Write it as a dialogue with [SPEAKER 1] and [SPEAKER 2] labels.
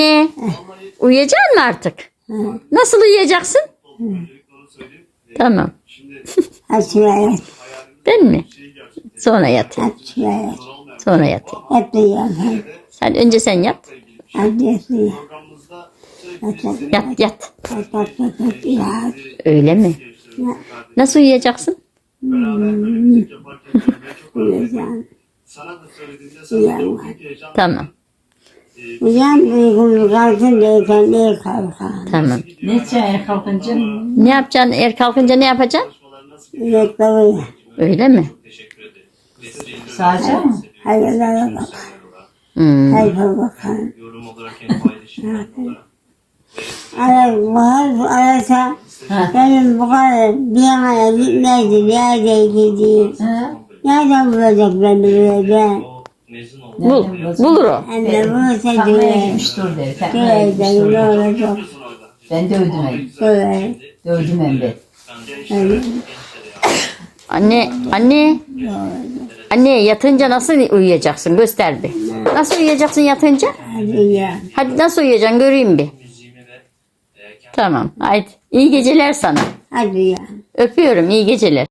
[SPEAKER 1] Uyuyacaksın mı artık? Nasıl uyuyacaksın? Tamam.
[SPEAKER 2] Hadi şuraya yat.
[SPEAKER 1] Ben mi? Sonra yatayım.
[SPEAKER 2] Hadi şuraya yat.
[SPEAKER 1] Sonra yatayım.
[SPEAKER 2] Hep de yat.
[SPEAKER 1] Hadi önce sen yat.
[SPEAKER 2] Hadi yat.
[SPEAKER 1] Yat yat.
[SPEAKER 2] Yat.
[SPEAKER 1] Öyle mi? Nasıl uyuyacaksın?
[SPEAKER 2] Uyuyacağım. Uyanma.
[SPEAKER 1] Tamam.
[SPEAKER 2] Uyan uygun kalkın deyken iyi kalkan.
[SPEAKER 1] Tamam.
[SPEAKER 3] Ne yapacaksın kalkınca?
[SPEAKER 1] Ne yapacaksın? Eğer kalkınca ne yapacaksın?
[SPEAKER 2] Yürekle uyan.
[SPEAKER 1] Öyle mi?
[SPEAKER 3] Sağacak mı?
[SPEAKER 2] Hayırlara bak. Hayırlara bakalım. Arasa benim bu kadar bir yana gitmezdi. Nerede gideyim?
[SPEAKER 3] Ha?
[SPEAKER 2] Nereden bulacak beni böyle?
[SPEAKER 1] Bulur o.
[SPEAKER 2] Anne bulursa
[SPEAKER 3] Takmaya
[SPEAKER 2] güve.
[SPEAKER 3] gitmiştir der. Takmaya
[SPEAKER 2] Güve
[SPEAKER 3] gitmiştir
[SPEAKER 2] ne
[SPEAKER 3] der.
[SPEAKER 2] olacak?
[SPEAKER 3] Ben dövdüm hem.
[SPEAKER 2] Güve.
[SPEAKER 3] Dövdüm hem ben.
[SPEAKER 1] Anne yatınca nasıl uyuyacaksın? Göster bir. Nasıl uyuyacaksın yatınca?
[SPEAKER 2] Hadi uyan.
[SPEAKER 1] Hadi nasıl uyuyacaksın göreyim bir. Tamam. Haydi. İyi geceler sana.
[SPEAKER 2] Hadi uyan.
[SPEAKER 1] Öpüyorum. İyi geceler.